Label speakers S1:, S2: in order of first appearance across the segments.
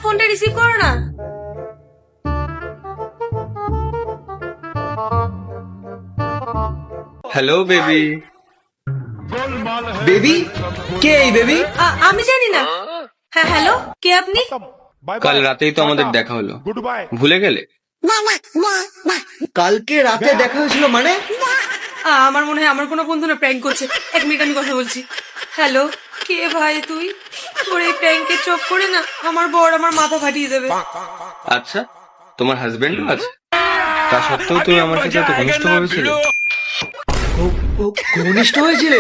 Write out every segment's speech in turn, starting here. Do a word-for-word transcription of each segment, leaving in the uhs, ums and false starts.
S1: ফোনটা রিসিভ করো না।
S2: Hello baby.
S3: বেবি? কে এই বেবি?
S1: আ- আমি জানি না। হ্যাঁ হ্যালো, কে আপনি?
S2: কাল রাতেই তো আমাদের দেখা হলো, ভুলে গেলে?
S3: কালকে রাতে দেখা হয়েছিল মানে?
S1: আ, আমার মনে হয় আমার কোনো বন্ধু না প্র্যাঙ্ক করছে। এক মিনিট আমি কথা বলছি। হ্যালো, কে ভাই তুই? তোর এই প্র্যাঙ্কের চোখ করে না আমার বর আমার মাথা ফাটিয়ে দেবে।
S2: আচ্ছা, তোমার হাজবেন্ডও আছে? তা সত্ত্বেও তুমি আমার সাথে এত ঘনিষ্ঠ হয়েছিল?
S3: ও- ও ঘনিষ্ঠ হয়েছিলে?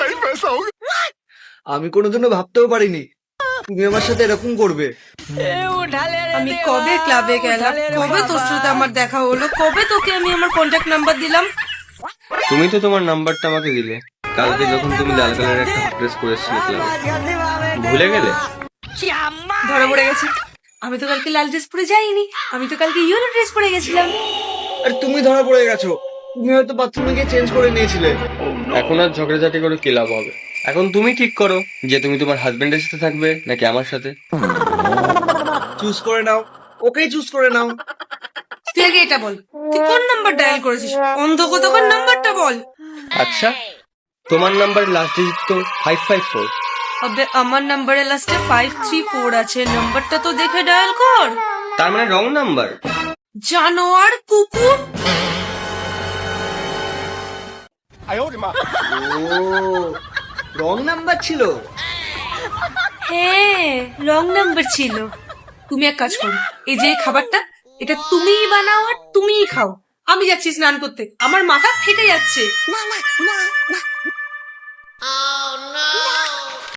S3: আমি কোনোদিনও ভাবতেও পারিনি তুমি আমার সাথে এরকম করবে।
S1: আমি কবে ক্লাবে গেলাম, কবে তোর সাথে আমার দেখা হলো, কবে তোকে আমি আমার কন্ট্যাক্ট নাম্বার দিলাম।
S2: তুমি তো তোমার নাম্বারটা আমাকে দিলে কালকে যখন তুমি লাল কালারের একটা হট ড্রেস পরেছিলে ক্লাবে, ভুলে গেলে?
S1: ধরা পড়ে গেছে। আমি তো কালকে লাল ড্রেস পরে যাইনি, আমি তো কালকে ইয়েলো ড্রেস পরে গেছিলাম।
S3: আর তুমি ধরা পড়ে গেছো, তুমি হয়তো বাথরুমে গিয়ে চেঞ্জ করে নিয়েছিলে।
S2: এখন আর ঝগড়াঝাটি করে কি লাভ হবে? এখন তুমি ঠিক করো যে তুমি তোমার হাজবেন্ডের সাথে থাকবে নাকি আমার সাথে।
S3: চুজ করে নাও, ওকেই চুজ করে নাও।
S1: তুই আগে এটা বল, তুই কোন নাম্বার ডায়াল করেছিস? অন্ধ কোথাকার নাম্বারটা বল।
S2: আচ্ছা, তোমার নাম্বারের লাস্ট ডিজিট তো ফাইভ ফাইভ ফোর।
S1: আবে আমার নাম্বারের লাস্টে ফাইভ থ্রি ফোর আছে, নাম্বারটা তো দেখে ডায়াল কর।
S2: তার মানে রং নাম্বার।
S1: জানোয়ার কুকুর।
S3: ও রং নাম্বার ছিল।
S1: হ্যাঁ রং নাম্বার ছিল। তুমি এক কাজ করো, এই যে খাবারটা এটা তুমিই বানাও আর তুমিই খাও। আমি যাচ্ছি স্নান করতে, আমার মাথা ফেটে যাচ্ছে।